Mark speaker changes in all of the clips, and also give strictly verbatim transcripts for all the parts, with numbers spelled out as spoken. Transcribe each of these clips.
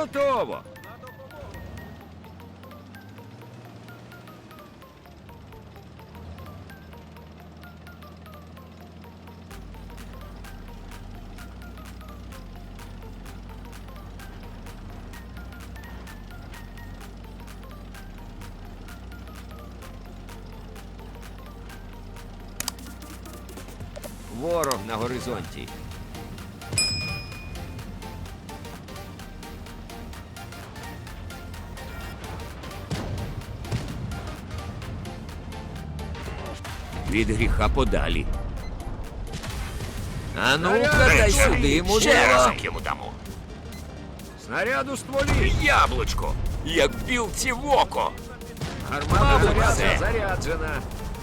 Speaker 1: Готово! Ворог на горизонті. Від гріха подалі. А ну-ка, дай сюди,
Speaker 2: Ще раз
Speaker 1: мудила.
Speaker 2: йому дамо.
Speaker 1: Снаряд у стволі.
Speaker 2: Яблучко, як білці в око.
Speaker 1: Гармата
Speaker 2: Мабуть,
Speaker 1: заряджена.
Speaker 2: це.
Speaker 1: Заряджена.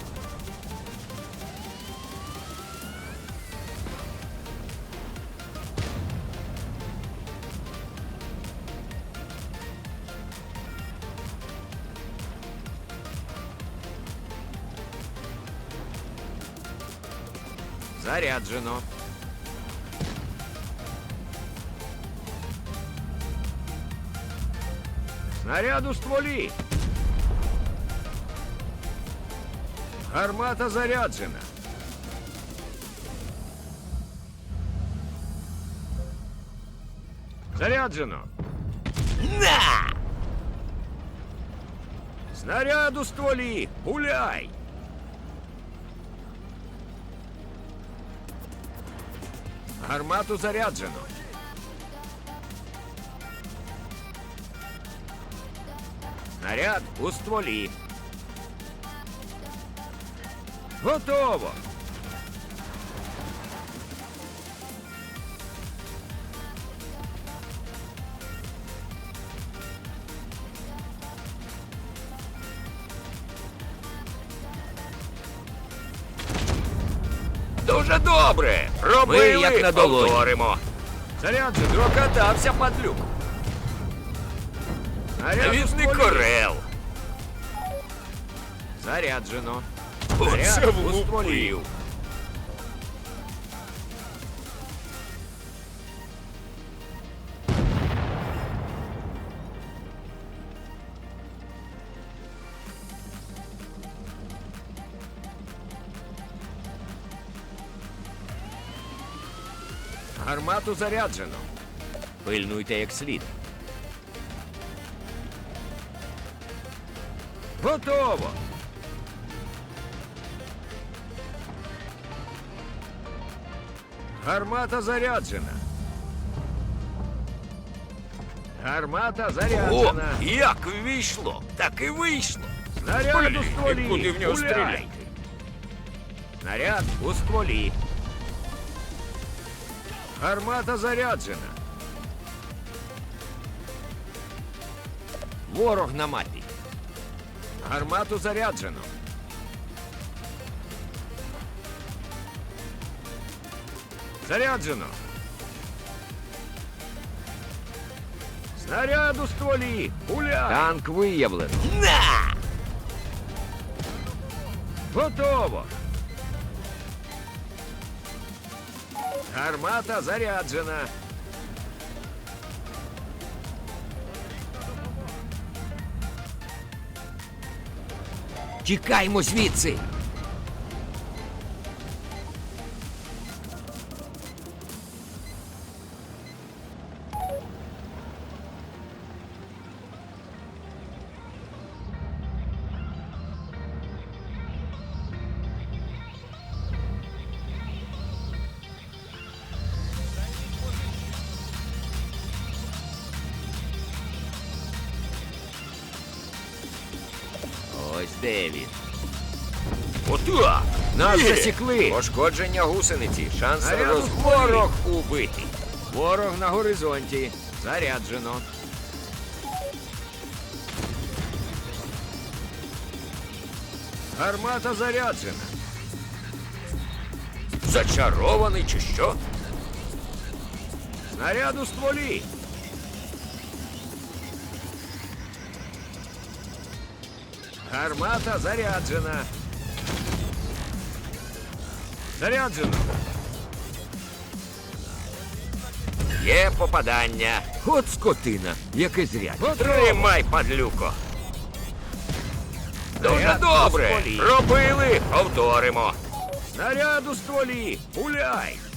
Speaker 1: Заряджено. Снаряд у стволі. Гармата заряджена. Заряджено.
Speaker 2: На!
Speaker 1: Снаряд у стволі. Гуляй. Гармату заряджено. Снаряд у стволі. Готово.
Speaker 2: Дуже добре. Робили,
Speaker 1: Ми як на долоні.
Speaker 2: повторимо.
Speaker 1: Заряджено.
Speaker 2: Прокатався падлюк.
Speaker 1: Снаряд у
Speaker 2: Навісний
Speaker 1: стволі.
Speaker 2: корел.
Speaker 1: Заряджено.
Speaker 2: Оце
Speaker 1: Снаряд у стволі.
Speaker 2: влупив.
Speaker 1: Гармату заряджено. Пильнуйте як слід. Готово. Гармата заряджена. Гармата
Speaker 2: О,
Speaker 1: заряджена.
Speaker 2: як вийшло, так і вийшло.
Speaker 1: Снаряд у
Speaker 2: Блін,
Speaker 1: стволі.
Speaker 2: куди в нього
Speaker 1: Гуляй.
Speaker 2: стріляти?
Speaker 1: Снаряд у стволі. Гармата заряджена. Ворог на мапі. Гармату заряджено. Заряджено. Снаряд у стволі. Гуляй. Танк виявлено.
Speaker 2: На!
Speaker 1: Готово. Гармата заряджена.
Speaker 2: Тікаймо звідси.
Speaker 1: Ось де він.
Speaker 2: Отак.
Speaker 1: Нас
Speaker 2: Є.
Speaker 1: засікли.
Speaker 2: Пошкодження гусениці. Шанс
Speaker 1: Снаряд у стволі.
Speaker 2: розворог убитий.
Speaker 1: Ворог на горизонті. Заряджено. Гармата заряджена.
Speaker 2: Зачарований чи що?
Speaker 1: Снаряд у стволі. Гармата заряджена. Заряджено.
Speaker 2: Є попадання.
Speaker 1: От скотина, яке зря.
Speaker 2: Тримай, падлюко. Дуже
Speaker 1: Снаряд
Speaker 2: добре.
Speaker 1: у стволі.
Speaker 2: Робили, повторимо.
Speaker 1: Снаряд у стволі. Пуляй.